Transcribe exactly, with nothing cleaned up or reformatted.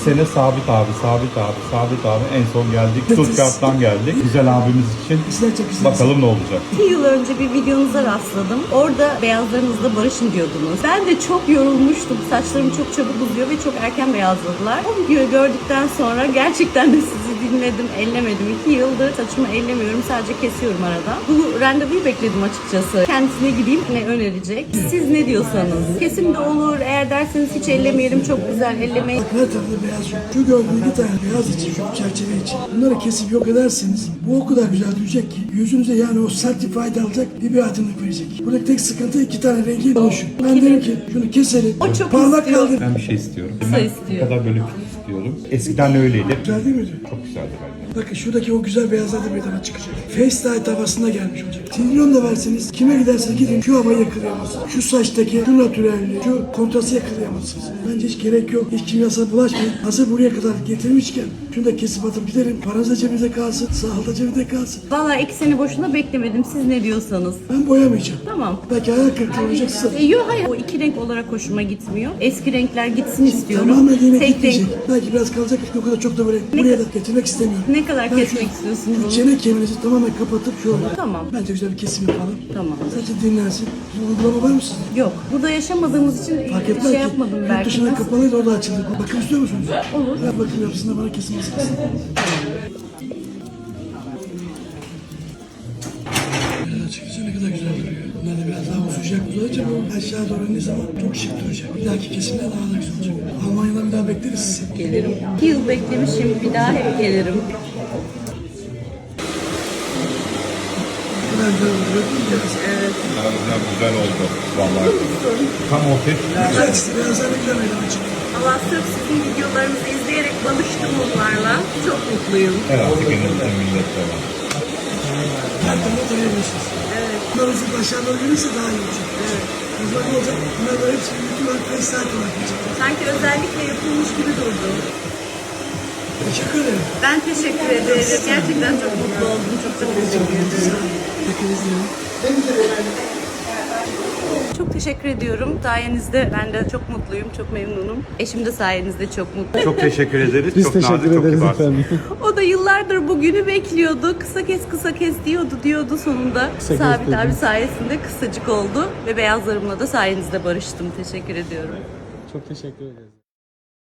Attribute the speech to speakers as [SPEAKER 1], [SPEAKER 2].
[SPEAKER 1] sene Sabit abi, Sabit abi, Sabit abi en son geldik. Stuttgart'tan geldik. Güzel abimiz için.
[SPEAKER 2] Güzel, çok güzel.
[SPEAKER 1] Bakalım ne olacak.
[SPEAKER 3] İki yıl önce bir videonuza rastladım. Orada beyazlarınızla barışın diyordunuz. Ben de çok yorulmuştum. Saçlarım çok çabuk uzuyor ve çok erken beyazladılar. O videoyu gördükten sonra gerçekten de sizi dinledim, ellemedim. İki yıldır saçımı ellemiyorum. Sadece kesiyorum arada. Bu randevuyu bekledim açıkçası. Kendisine gideyim, ne önerecek? Siz ne diyorsanız. Kesim de olur. Eğer derseniz hiç ellemeyelim. Çok güzel ellemeyin.
[SPEAKER 2] Her tarafta beyaz yok. Şu gördüğün iki tane beyaz için, şu çerçeve için. Bunları kesip yok ederseniz bu o kadar güzel duyacak ki yüzünüze yani o certified alacak bir aydınlık verecek. Buradaki tek sıkıntı iki tane rengi oluşuyor. Ben derim ki şunu keselim.
[SPEAKER 3] O çok
[SPEAKER 2] parlak
[SPEAKER 3] istiyor.
[SPEAKER 2] kaldır.
[SPEAKER 1] Ben bir şey istiyorum.
[SPEAKER 3] Kısa
[SPEAKER 1] Ben
[SPEAKER 3] istiyor.
[SPEAKER 1] bu kadar böyle fit istiyorum. Eskiden öyleydi.
[SPEAKER 2] Güzel değil miydi?
[SPEAKER 1] Çok güzeldi bence.
[SPEAKER 2] Bakın şuradaki o güzel beyazlar da meydana çıkacak. FaceTime havasına gelmiş olacak. Trilyon da verseniz kime giderseniz gidin şu havayı yakalayamazsınız. Şu saçtaki şu natürelliği, şu kontrastı yakalayamazsınız. Bence hiç gerek yok. Hiç kimyasal bulaşmayın. Hazır buraya kadar getirmişken şunu da kesip atıp gidelim. Paranız da cebinizde kalsın. Sağlık da cebinde kalsın.
[SPEAKER 3] Valla iki sene boşuna beklemedim. Siz ne diyorsanız.
[SPEAKER 2] Ben boyamayacağım.
[SPEAKER 3] Tamam.
[SPEAKER 2] Belki hayal kırıklığı olacaksın.
[SPEAKER 3] E, yok hayır. O iki renk olarak hoşuma gitmiyor. Eski renkler gitsin istiyorum.
[SPEAKER 2] Tamamen yine
[SPEAKER 3] Tek renk.
[SPEAKER 2] gitmeyecek. Belki biraz kalacak. O kadar çok da böyle buraya da getirmek istemiyorum.
[SPEAKER 3] Ne kadar
[SPEAKER 2] Ben
[SPEAKER 3] kesmek
[SPEAKER 2] şu
[SPEAKER 3] istiyorsunuz onu?
[SPEAKER 2] Çene kemiğinizi tamamen kapatıp şöyle.
[SPEAKER 3] Tamam.
[SPEAKER 2] Bence güzel bir kesim yapalım.
[SPEAKER 3] Tamam.
[SPEAKER 2] Sadece dinlensin. Bir uygulama var mı sizin?
[SPEAKER 3] Yok. Burada yaşamadığımız için
[SPEAKER 2] Fark etmez
[SPEAKER 3] şey
[SPEAKER 2] ki.
[SPEAKER 3] yapmadım
[SPEAKER 2] Yurt
[SPEAKER 3] belki.
[SPEAKER 2] dışına
[SPEAKER 3] Nasıl?
[SPEAKER 2] kapalıydı, o da açıldı. Bakım istiyor musunuz?
[SPEAKER 3] Olur.
[SPEAKER 2] Ben bakım yapısında bana kesim lazım. Açıkçası ne kadar güzel duruyor. Bunlar da biraz daha uzayacak uzayacak ama aşağı doğru ne zaman çok şık duracak. Bir dahaki kesimler daha da güzel olacak. Almanya'dan bir daha bekleriz sizi.
[SPEAKER 3] Gelirim. İki yıl beklemişim. Bir daha hep gelirim.
[SPEAKER 2] Ne kadar güzel oluyor.
[SPEAKER 3] Evet.
[SPEAKER 1] Güzel güzel, güzel oldu. Vallahi. Tam ortaya çıktı.
[SPEAKER 2] Güzel işte. Beyazlar ne kadar meydana çıktı.
[SPEAKER 3] Allah sırf sizin videolarınızı izleyerek tanıştım onlarla. Çok mutluyum.
[SPEAKER 1] Herhalde günümüzde millette var.
[SPEAKER 2] Her türlü tanıyabilirsiniz. Evet. Bunlar hızlı aşağı doğru gelirse daha iyi olacak. Evet. Hızlı ne olacak? Bunlar da hepsi bütün olarak FaceTime olarak gelecek.
[SPEAKER 3] Sanki özellikle yapılmış gibi durdu.
[SPEAKER 2] Teşekkür ederim.
[SPEAKER 3] Ben teşekkür ederim. Gerçekten çok mutlu oldum. Çok çok teşekkür ederim.
[SPEAKER 2] Hepinizle.
[SPEAKER 3] Çok teşekkür ediyorum. Sayenizde ben de çok mutluyum, çok memnunum. Eşim de sayenizde çok mutlu.
[SPEAKER 1] Çok teşekkür ederiz.
[SPEAKER 4] Biz
[SPEAKER 1] çok
[SPEAKER 4] teşekkür
[SPEAKER 1] nazik, çok
[SPEAKER 4] ederiz
[SPEAKER 1] kibarsın.
[SPEAKER 4] efendim.
[SPEAKER 3] O da yıllardır bu günü bekliyordu. Kısa kes kısa kes diyordu diyordu sonunda.
[SPEAKER 4] Kısa kes
[SPEAKER 3] Sabit
[SPEAKER 4] dedi.
[SPEAKER 3] abi sayesinde kısacık oldu. Ve beyazlarımla da sayenizde barıştım. Teşekkür ediyorum.
[SPEAKER 4] Çok teşekkür ederiz.